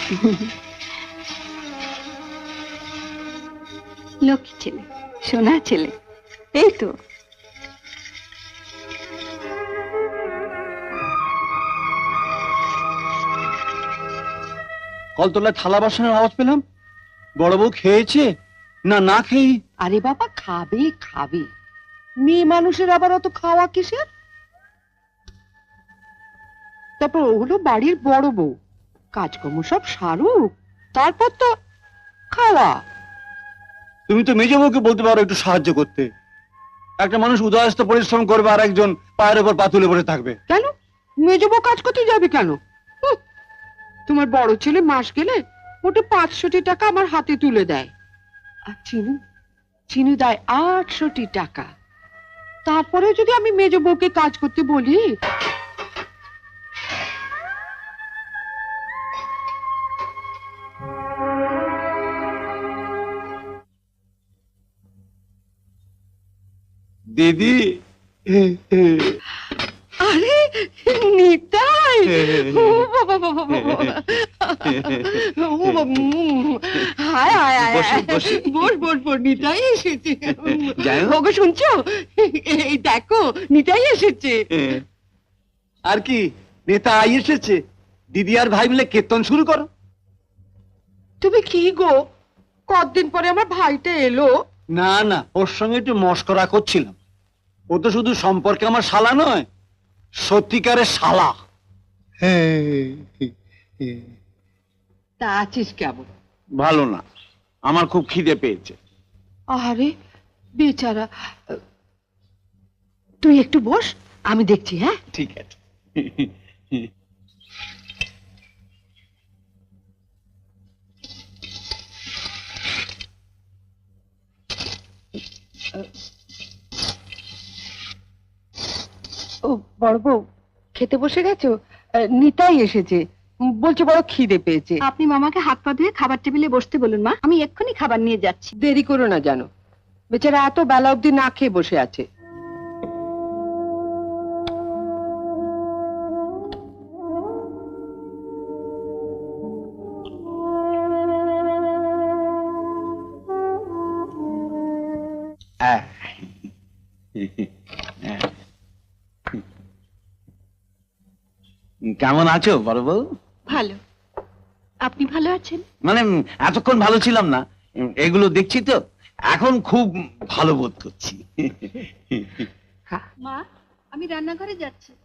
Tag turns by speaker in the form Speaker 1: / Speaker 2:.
Speaker 1: লক্ষ্মী ছেলে, সোনা ছেলে, এই তো।
Speaker 2: কলতলায় থালা বাসনের আওয়াজ পেলাম। বড় বউ খেয়েছে না না খেয়ে?
Speaker 3: আরে বাবা, খাবে খাবে, মেয়ে মানুষের আবার অত খাওয়া কিসের? তারপর ও হলো বাড়ির বড় বউ, কাজকর্ম সব সারুক, তারপর তো খাওয়া।
Speaker 2: তুমি তো মেজ বউকে বলতে পারো একটু সাহায্য করতে। একটা মানুষ উদয়স্ত পরিশ্রম করবে আর একজন পায়ের উপর পা তুলে বসে থাকবে।
Speaker 3: কেন মেজ বউ কাজ করতে যাবে কেন? তোমার বড় ছেলে মাস গেলে মোটে 500 টাকা আমার হাতে তুলে দেয়, আর চিনু চিনু দেয় 800 টাকা। তারপরে যদি আমি মেজ বউকে কাজ করতে বলি,
Speaker 2: দিদি।
Speaker 3: আরে নিতাই, ও বাবা বাবা বাবা, ও বাবা, হায় হায় হায়, বস বস বস, নিতাই এসেছে। ওগো শুনছো, এই দেখো নিতাই এসেছে।
Speaker 2: আর কি, নেতা আই এসেছে। দিদি আর ভাই মিলে কীর্তন শুরু করো।
Speaker 3: তুমি কি গো, কতদিন পরে আমার ভাইটা এলো।
Speaker 2: না না, ওর সঙ্গে একটু মস্করা করছিলাম। ও তো শুধু সম্পর্কে আমার শালা নয়, সত্যিকারের শালা।
Speaker 3: তা আছিস কেমন?
Speaker 2: ভালো না, আমার খুব খিদে পেয়েছে।
Speaker 3: আরে বেচারা, তুই একটু বস, আমি দেখছি। হ্যাঁ
Speaker 2: ঠিক আছে।
Speaker 3: ও বড় বউ, খেতে বসে গেছো? নিতাই এসেছে, বলছে বড় খিদে পেয়েছে।
Speaker 1: আপনি মামাকে হাত পা ধুয়ে খাবার টেবিলে বসতে বলুন মা, আমি এক্ষুনি খাবার নিয়ে যাচ্ছি।
Speaker 3: দেরি করো না জানো, বেচারা এত বেলা অবধি না খেয়ে বসে আছে।
Speaker 2: কেমন আছো বড় বউ?
Speaker 1: ভালো, আপনি ভালো আছেন?
Speaker 2: মানে এতক্ষণ ভালো ছিলাম না, এগুলো দেখছি তো এখন খুব ভালো বোধ করছি।
Speaker 1: মা, আমি রান্নাঘরে যাচ্ছি।